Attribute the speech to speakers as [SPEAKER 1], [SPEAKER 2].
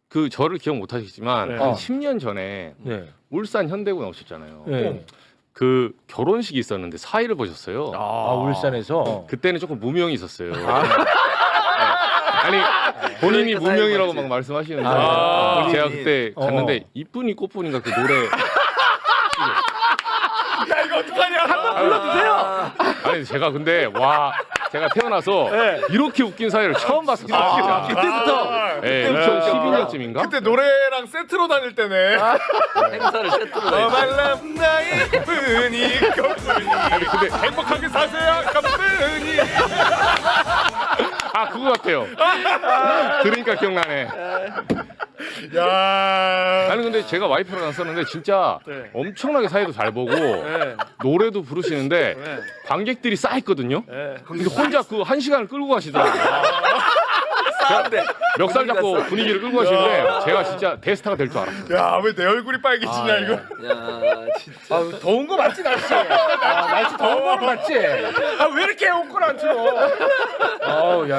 [SPEAKER 1] 그 저를 기억 못 하시겠지만
[SPEAKER 2] 네.
[SPEAKER 1] 한 10년 전에
[SPEAKER 2] 네.
[SPEAKER 1] 울산 현대구에 오셨잖아요.
[SPEAKER 2] 네.
[SPEAKER 1] 그 결혼식이 있었는데 사회를 보셨어요.
[SPEAKER 2] 아 울산에서.
[SPEAKER 1] 그때는 조금 무명이 있었어요. 아니 본인이
[SPEAKER 3] 그러니까
[SPEAKER 1] 무명이라고
[SPEAKER 3] 사회
[SPEAKER 1] 막 말씀하시는데
[SPEAKER 2] 아,
[SPEAKER 1] 제가
[SPEAKER 3] 본인이.
[SPEAKER 1] 그때 갔는데 이쁜이 꽃분인가 그 노래
[SPEAKER 2] 야 이거 어떡하냐? 한번 불러주세요.
[SPEAKER 1] 아니 제가 근데 와 제가 태어나서
[SPEAKER 2] 네.
[SPEAKER 1] 이렇게 웃긴 사회를 처음 봤었어요. 진짜.
[SPEAKER 2] 그때부터.
[SPEAKER 1] 예, 2012년쯤인가?
[SPEAKER 4] 그때 노래랑 세트로 다닐 때네.
[SPEAKER 3] 행사를 세트로 다
[SPEAKER 4] 말람 나의 뿐이 꽃뿐이.
[SPEAKER 1] 아니 근데
[SPEAKER 4] 행복하게 사세요 꽃뿐이.
[SPEAKER 1] 아 그거 같아요. 들으니까 기억나네.
[SPEAKER 4] 야.
[SPEAKER 1] 나는 근데 제가 와이프랑 갔었는데 진짜
[SPEAKER 2] 네.
[SPEAKER 1] 엄청나게 사회도 잘 보고
[SPEAKER 2] 네.
[SPEAKER 1] 노래도 부르시는데
[SPEAKER 2] 네.
[SPEAKER 1] 관객들이 쌓였거든요.
[SPEAKER 2] 네.
[SPEAKER 1] 근데 혼자 그 1시간을 끌고 가시더라고요.
[SPEAKER 3] 싸운데.
[SPEAKER 1] 멱살 잡고 분위기를 끌고 가시는데 제가 진짜 대스타가 될 줄 알았어요.
[SPEAKER 4] 야, 왜 내 얼굴이 빨개지냐 이거.
[SPEAKER 3] 야 진짜.
[SPEAKER 2] 아, 더운 거 맞지 날씨? 날씨 더운 거 맞지? 아 왜 이렇게 옷걸 안 틀어? 아우 야.